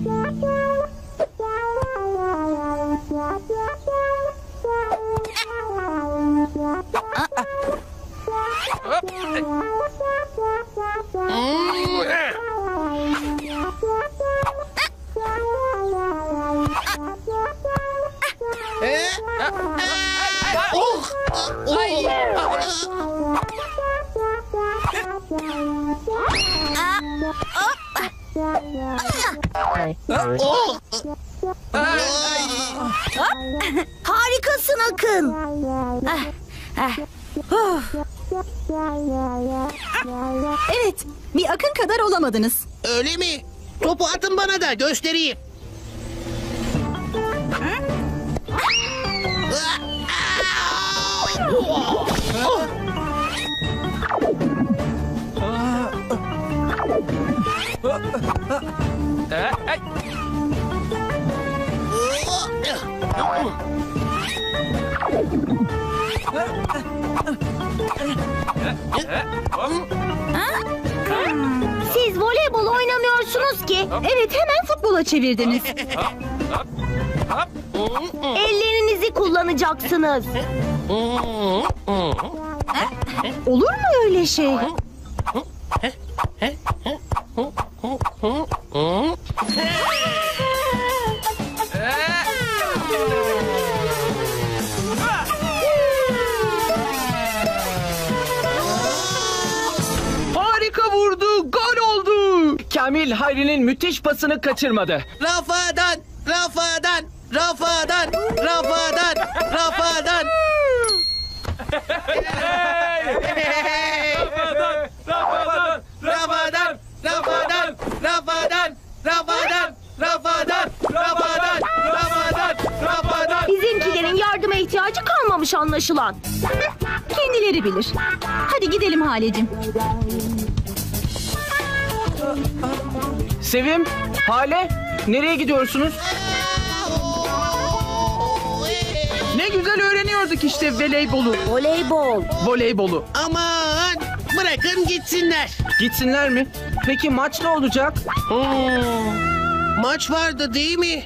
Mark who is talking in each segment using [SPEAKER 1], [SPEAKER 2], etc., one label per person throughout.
[SPEAKER 1] Harikasın Akın.
[SPEAKER 2] Evet, bir Akın kadar olamadınız.
[SPEAKER 3] Öyle mi? Topu atın bana da göstereyim.
[SPEAKER 1] Siz voleybol oynamıyorsunuz ki.
[SPEAKER 2] Evet, hemen futbola çevirdiniz.
[SPEAKER 1] Ellerinizi kullanacaksınız.
[SPEAKER 2] Olur mu öyle şey?
[SPEAKER 4] Harika vurdu, gol oldu. Kamil Hayri'nin müthiş pasını kaçırmadı.
[SPEAKER 3] Rafadan, Rafadan, Rafadan, Rafadan, Rafadan. Rafadan, Rafadan, Rafadan, Rafadan, Rafadan, Rafadan, Rafadan, Rafadan, Rafadan.
[SPEAKER 1] Bizimkilerin yardıma ihtiyacı kalmamış anlaşılan.
[SPEAKER 2] Kendileri bilir. Hadi gidelim Halecim.
[SPEAKER 4] Sevim, Hale, nereye gidiyorsunuz? Ne güzel öğreniyorduk işte voleybolu.
[SPEAKER 1] Voleybol.
[SPEAKER 4] Voleybolu.
[SPEAKER 3] Aman bırakın gitsinler.
[SPEAKER 4] Gitsinler mi? Peki maç ne olacak?
[SPEAKER 3] Maç vardı değil mi?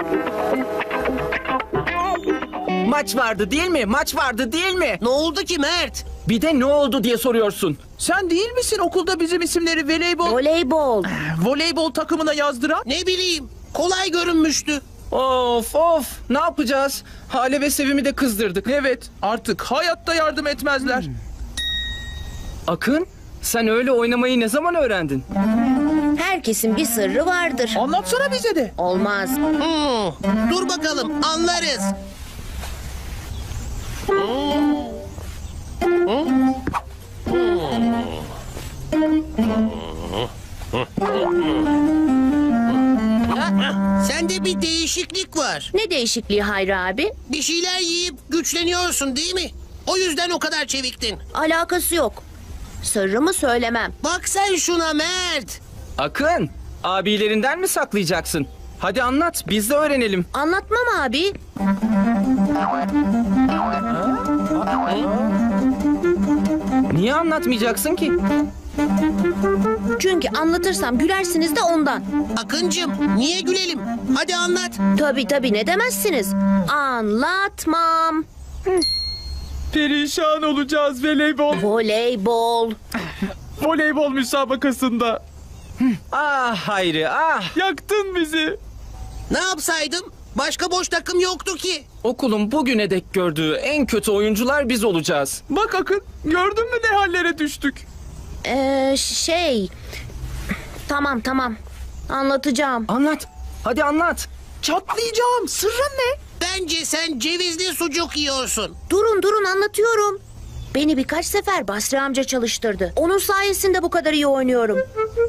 [SPEAKER 4] Maç vardı değil mi? Maç vardı değil mi?
[SPEAKER 3] Ne oldu ki Mert?
[SPEAKER 4] Bir de ne oldu diye soruyorsun.
[SPEAKER 5] Sen değil misin okulda bizim isimleri
[SPEAKER 1] Voleybol.
[SPEAKER 5] takımına yazdıran?
[SPEAKER 3] Ne bileyim, kolay görünmüştü.
[SPEAKER 4] Of of, ne yapacağız? Hale ve Sevim'i de kızdırdık.
[SPEAKER 5] Evet, artık hayatta yardım etmezler.
[SPEAKER 4] Akın, sen öyle oynamayı ne zaman öğrendin?
[SPEAKER 1] Herkesin bir sırrı vardır.
[SPEAKER 5] Anlatsana bize de.
[SPEAKER 1] Olmaz.
[SPEAKER 3] Dur bakalım, anlarız. Sende bir değişiklik var.
[SPEAKER 1] Ne değişikliği Hayri abi?
[SPEAKER 3] Bir şeyler yiyip güçleniyorsun değil mi? O yüzden o kadar çeviktin.
[SPEAKER 1] Alakası yok. Sırrımı söylemem.
[SPEAKER 3] Bak sen şuna Mert.
[SPEAKER 4] Akın, abilerinden mi saklayacaksın? Hadi anlat, biz de öğrenelim.
[SPEAKER 1] Anlatmam abi.
[SPEAKER 4] Niye anlatmayacaksın ki?
[SPEAKER 1] Çünkü anlatırsam gülersiniz de ondan.
[SPEAKER 3] Akıncım, niye gülelim? Hadi anlat.
[SPEAKER 1] Tabii ne demezsiniz. Anlatmam.
[SPEAKER 5] Perişan olacağız
[SPEAKER 1] Voleybol.
[SPEAKER 5] voleybol müsabakasında.
[SPEAKER 4] Ah Hayri, ah!
[SPEAKER 5] Yaktın bizi.
[SPEAKER 3] Ne yapsaydım? Başka boş takım yoktu ki.
[SPEAKER 4] Okulun bugüne dek gördüğü en kötü oyuncular biz olacağız.
[SPEAKER 5] Bak Akın, gördün mü ne hallere düştük?
[SPEAKER 1] Tamam. Anlatacağım.
[SPEAKER 4] Anlat, hadi anlat.
[SPEAKER 5] Çatlayacağım. Sırrın ne?
[SPEAKER 3] Bence sen cevizli sucuk yiyorsun.
[SPEAKER 1] Durun anlatıyorum. Beni birkaç sefer Basri amca çalıştırdı. Onun sayesinde bu kadar iyi oynuyorum.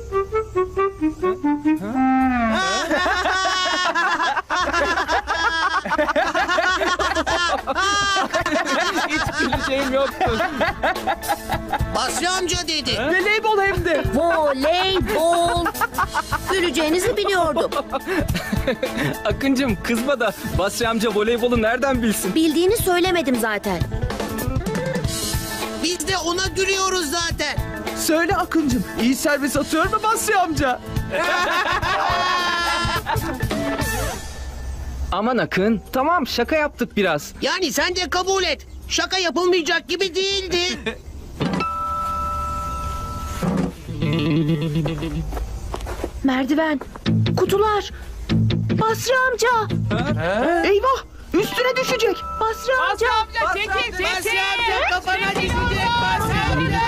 [SPEAKER 4] Hiç güleceğim yoktu.
[SPEAKER 3] Basri amca dedi.
[SPEAKER 5] Voleybol hem de.
[SPEAKER 1] Voleybol. Güleceğinizi biliyordum.
[SPEAKER 4] Akıncım kızma da Basri amca voleybolu nereden bilsin?
[SPEAKER 1] Bildiğini söylemedim zaten.
[SPEAKER 3] Biz de ona gülüyoruz zaten.
[SPEAKER 5] Söyle Akıncım, iyi servis atıyor mu Basri amca?
[SPEAKER 4] Aman Akın, tamam şaka yaptık biraz.
[SPEAKER 3] Yani sen de kabul et. Şaka yapılmayacak gibi değildi.
[SPEAKER 1] Merdiven, kutular. Basri amca.
[SPEAKER 5] Eyvah! Üstüne düşecek.
[SPEAKER 1] Basri amca.
[SPEAKER 3] Basri amca kafana düşecek Basri amca.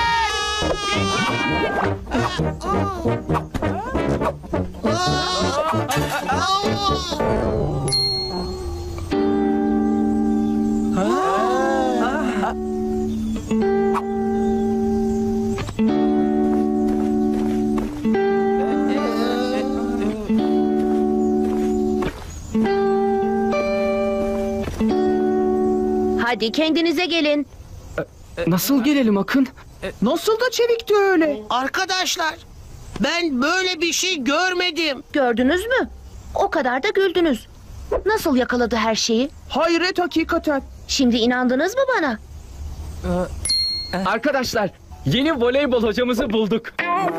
[SPEAKER 1] Hadi kendinize gelin.
[SPEAKER 4] Nasıl gelelim Akın?
[SPEAKER 5] Nasıl da çevikti öyle.
[SPEAKER 3] Arkadaşlar, ben böyle bir şey görmedim.
[SPEAKER 1] Gördünüz mü? O kadar da güldünüz. Nasıl yakaladı her şeyi?
[SPEAKER 5] Hayret hakikaten.
[SPEAKER 1] Şimdi inandınız mı bana?
[SPEAKER 4] Arkadaşlar, yeni voleybol hocamızı bulduk.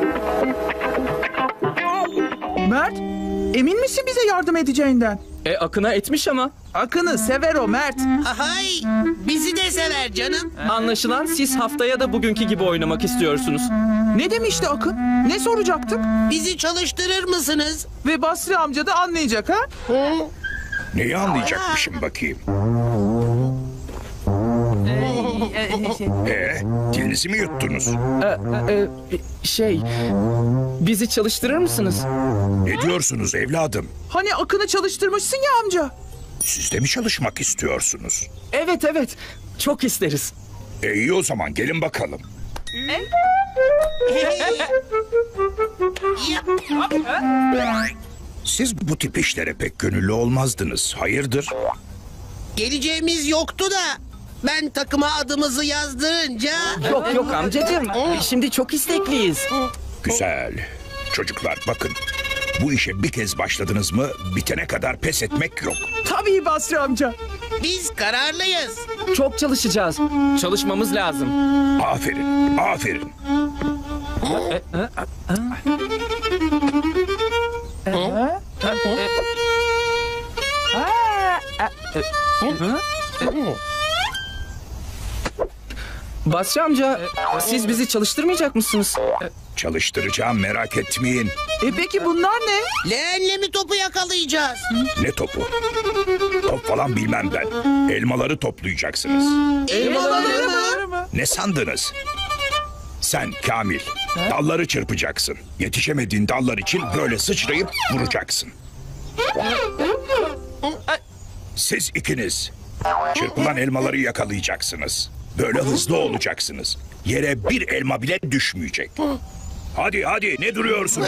[SPEAKER 5] Mert, emin misin bize yardım edeceğinden?
[SPEAKER 4] Akın'a etmiş ama.
[SPEAKER 5] Akın'ı sever o Mert.
[SPEAKER 3] Hay, bizi de sever canım.
[SPEAKER 4] Anlaşılan siz haftaya da bugünkü gibi oynamak istiyorsunuz.
[SPEAKER 5] Ne demişti Akın? Ne soracaktık?
[SPEAKER 3] Bizi çalıştırır mısınız?
[SPEAKER 5] Ve Basri amca da anlayacak ha?
[SPEAKER 6] Neyi anlayacakmışım bakayım? Dilinizi mi yuttunuz?
[SPEAKER 4] Bizi çalıştırır mısınız?
[SPEAKER 6] Ne diyorsunuz evladım?
[SPEAKER 5] Hani Akın'ı çalıştırmışsın ya amca.
[SPEAKER 6] Siz de mi çalışmak istiyorsunuz?
[SPEAKER 4] Evet, çok isteriz.
[SPEAKER 6] İyi o zaman gelin bakalım. Siz bu tip işlere pek gönüllü olmazdınız. Hayırdır?
[SPEAKER 3] Geleceğimiz yoktu da ben takıma adımızı yazdırınca...
[SPEAKER 4] Yok amcacığım, şimdi çok istekliyiz.
[SPEAKER 6] Güzel. Çocuklar bakın. Bu işe bir kez başladınız mı bitene kadar pes etmek yok.
[SPEAKER 5] Tabii Basri amca.
[SPEAKER 3] Biz kararlıyız.
[SPEAKER 4] Çok çalışacağız. Çalışmamız lazım.
[SPEAKER 6] Aferin, aferin.
[SPEAKER 4] Basri amca, siz bizi çalıştırmayacak mısınız?
[SPEAKER 6] Çalıştıracağım merak etmeyin.
[SPEAKER 5] Peki bunlar ne?
[SPEAKER 3] Leğenle mi topu yakalayacağız?
[SPEAKER 6] Ne topu? Top falan bilmem ben. Elmaları toplayacaksınız.
[SPEAKER 3] Elmaları mı?
[SPEAKER 6] Ne sandınız? Sen Kamil, dalları çırpacaksın. Yetişemediğin dallar için böyle sıçrayıp vuracaksın. Siz ikiniz çırpılan elmaları yakalayacaksınız. Böyle hızlı olacaksınız. Yere bir elma bile düşmeyecek. Hadi ne duruyorsunuz?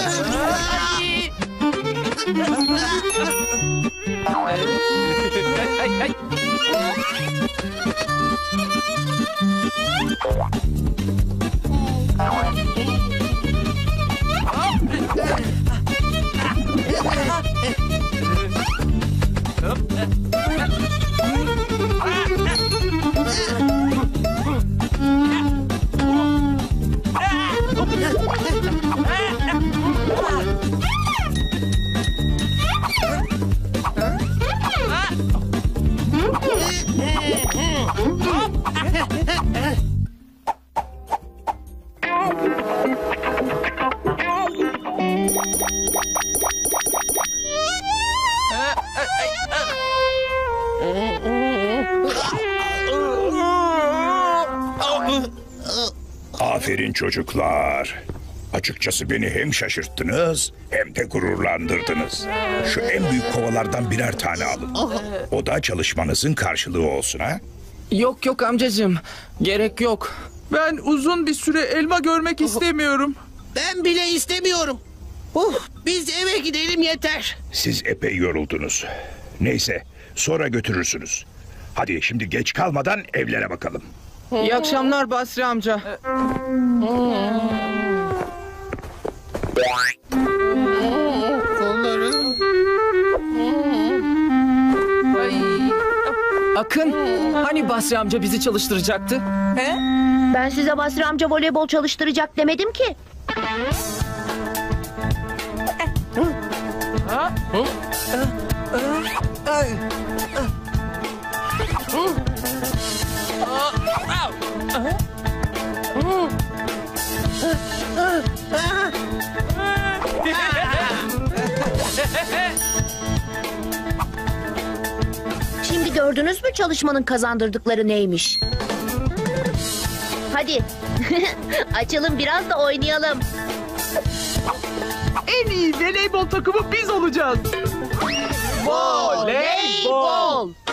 [SPEAKER 6] Aferin çocuklar. Açıkçası beni hem şaşırttınız hem de gururlandırdınız. Şu en büyük kovalardan birer tane alın. O da çalışmanızın karşılığı olsun ha.
[SPEAKER 4] Yok amcacığım, gerek yok.
[SPEAKER 5] Ben uzun bir süre elma görmek istemiyorum.
[SPEAKER 3] Ben bile istemiyorum. Biz eve gidelim yeter.
[SPEAKER 6] Siz epey yoruldunuz. Neyse sonra götürürsünüz. Hadi şimdi geç kalmadan evlere bakalım.
[SPEAKER 4] İyi akşamlar Basri amca. Akın, hani Basri amca bizi çalıştıracaktı?
[SPEAKER 1] Ben size Basri amca voleybol çalıştıracak demedim ki. Şimdi gördünüz mü çalışmanın kazandırdıkları neymiş? Hadi. Açılın biraz da oynayalım.
[SPEAKER 5] En iyi voleybol takımı biz olacağız.
[SPEAKER 1] Voleybol.